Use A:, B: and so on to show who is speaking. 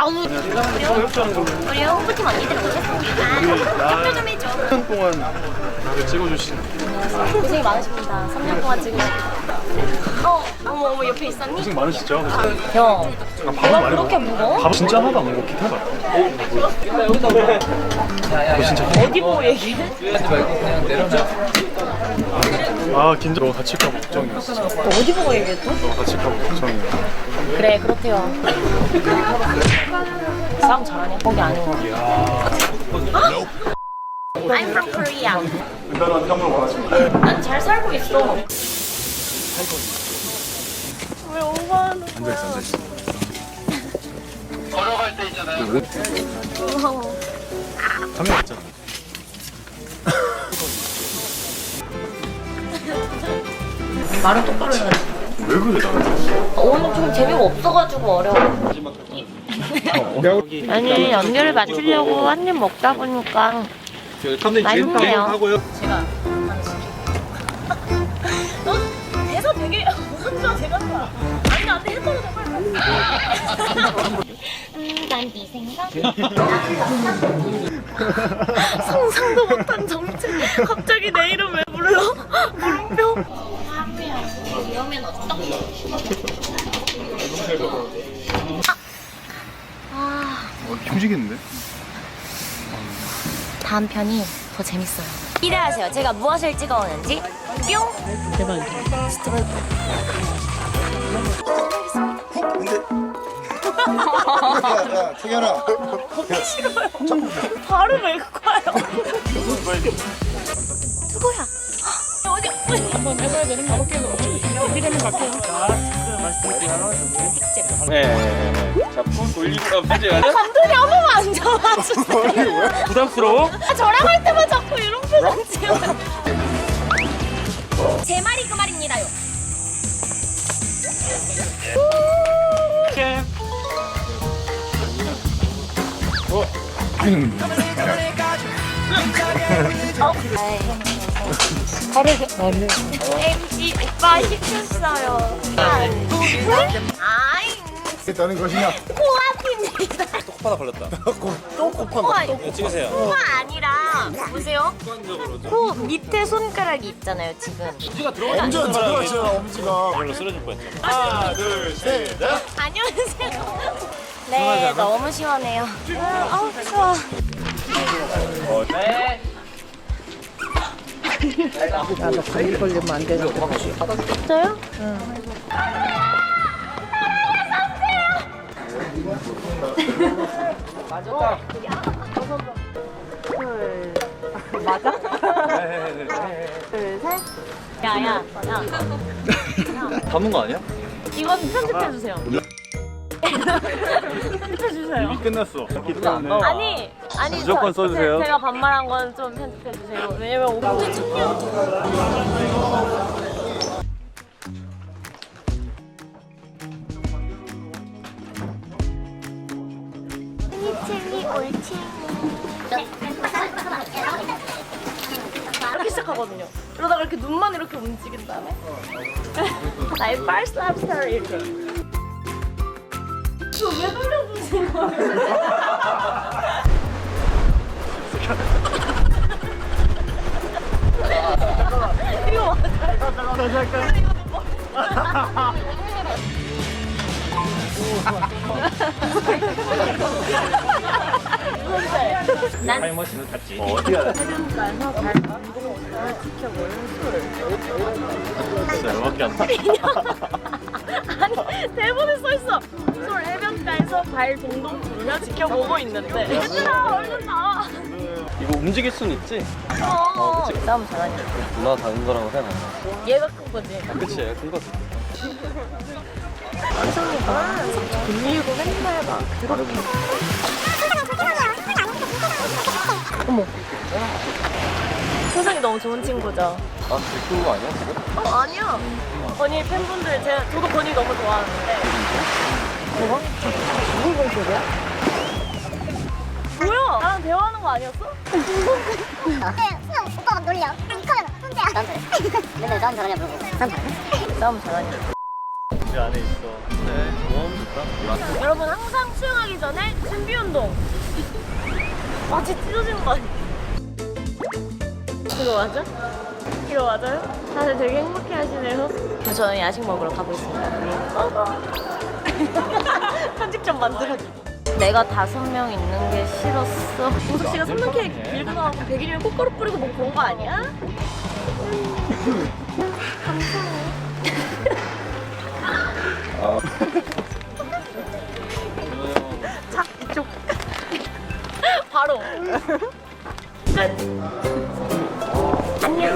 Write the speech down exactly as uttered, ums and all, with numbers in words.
A: 아우 우리 홍보팀 언니들 오셨습니다. 협조 좀 해줘.
B: 삼 년 동안 나를 찍어주신
A: 고생이 많으십니다. 삼 년 동안 찍으시고. 어, 어머 어머 옆에 있었니?
B: 고생 많으시죠?
A: 형,
B: 아, 밥은
A: 내가
B: 많이
A: 그렇게
B: 먹어.
A: 무거워?
B: 밥 진짜 하나도 안 먹어. 기타 같아. 너 진짜
A: 어디 보고 얘기해?
B: 아 긴장. 너 다칠까 봐 걱정이었어.
A: 어디 보고 얘기했어?
B: 너 다칠까 봐 걱정이야.
A: 그래 그렇대요. 싸움 잘하네. 거기 아닌 거. I'm from Korea.
B: 은단한 깜짝 놀랐습니다.
A: 난 잘 살고 있어. 왜 오버하는 거야?
B: 앉아있어 앉아있어.
C: 걸어갈 때 있잖아요.
A: 무서워.
B: 카메라 있잖아.
A: 말은 똑바로 해야지.
B: 왜 그래 나한테?
A: 오늘 좀 재미가 없어가지고 어려워. 아니 연결을 맞추려고 한 입 먹다 보니까 맛있네요. 제가 너 대사 되게 무슨 대가 좋아. 아니 안돼 했다고 정말. 음난네 생각. 상상도 못한 정체. 갑자기 내 이름 왜 불러? 물음표. 하루야 이러면 어떡해? 아.
B: 어, 흉지겠는데?
A: 다음 편이 더 재밌어요. 기대하세요. 제가 무엇을 찍어오는지. 뿅! 대박이다. 스트레이트.
D: 야, 태견아.
A: 싫어요. 발을 왜 가요? 누구야? 어디? 한번 해봐야 되는 거 같아요. 어디 되는 거 같아요.
C: 네. 자, 폰 돌리고 가면 돼요.
A: 감독이 한 번만 안 잡아주세요.
C: 부담스러워?
A: 아, 저랑 할 때만 자꾸 이런 표정 지어요. 제 말이 그 말입니다요. 엠씨 오빠 시켰어요. 아이
D: 했다는 것이냐?
A: 코앞입니다.
C: 코파다 걸렸다.
D: 또 코파.
C: 네, 찍으세요.
A: 코가 아니라 보세요. 코 밑에 손가락이 있잖아요 지금.
C: 엄지가 들어가지
D: 엄지가 들어가잖아, 엄지가.
C: 이걸로 쓰러질 뻔했죠. 하나, 둘, 셋, 넷.
A: 안녕하세요. 네 너무 시원해요. 아우 추워.
C: 어, 네.
E: 나도 감기 걸리면 안 되는 거.
A: 진짜요? 응.
C: 맞았다.
A: 맞아? 둘, 셋. 야, 야, 야.
C: 담은 거 아니야?
A: 이건 편집해주세요. 편집해주세요.
B: 이미 끝났어. 기때문
A: 아니, 아니.
B: 무조건
A: 저,
B: 써주세요.
A: 제, 제가 반말한 건 좀 편집해주세요. 왜냐면 오늘 칠리 올칠리 이렇게 시작하거든요. 그러다가 이렇게 눈만 이렇게 움직인 다음에 나의 first lobster 이렇게. 이거 왜 돌려주신 거예요? 이거 맞아요.
B: 다시 할까요?
A: 난
C: 타임머신을 탔지.
B: 어, 어디 가야 돼?
A: 해변가에서 발 운동을 지켜보는 술.
B: 진짜 열받게 안 나.
A: 아니 대본에 써있어. 솔 해변가에서 발 동동 구르며 지켜보고 있는데 얘들아 얼른 나와.
C: 이거 움직일 순 있지?
A: 어 싸움 잘하니.
C: 누나 다른 거라고 생각 안 나.
A: 얘가 큰 거지.
C: 그치, 큰 거지.
A: 이성이가 빌리고 맨날 막 그렇게. 어머. 세상이 너무 좋은 친구죠.
C: 아, 그거 아니야, 지금?
A: 어 아니야. 건희 팬분들 제가 저도 건희 너무 좋아하는데. 뭐가? 무슨 건소리야? 뭐야? 나랑 대화하는 거 아니었어?
F: 근데 수영 오빠가 놀려. 이 카메라 손대야. 나한테 맨날 싸움 잘하냐 물어보고. 싸움 잘하냐?
A: 싸움 잘하냐?
C: 우리 안에 있어. 네, 너무 좋다.
A: 여러분 항상 수영하기 전에 준비 운동. 마치 찢어지는 거 아니야? 이거 맞아? 이거 맞아요? 다들 되게 행복해 하시네요. 저는 야식 먹으러 가보겠습니다. 편집 좀 만들어줘. 내가 다섯 명 있는 게 싫었어. 우석 씨가 삼 명 케이크 밀고 나오고 백일이면 꽃가루 뿌리고 뭐 그런 거 아니야? 감사해. 자, 이쪽. 바로. 끝.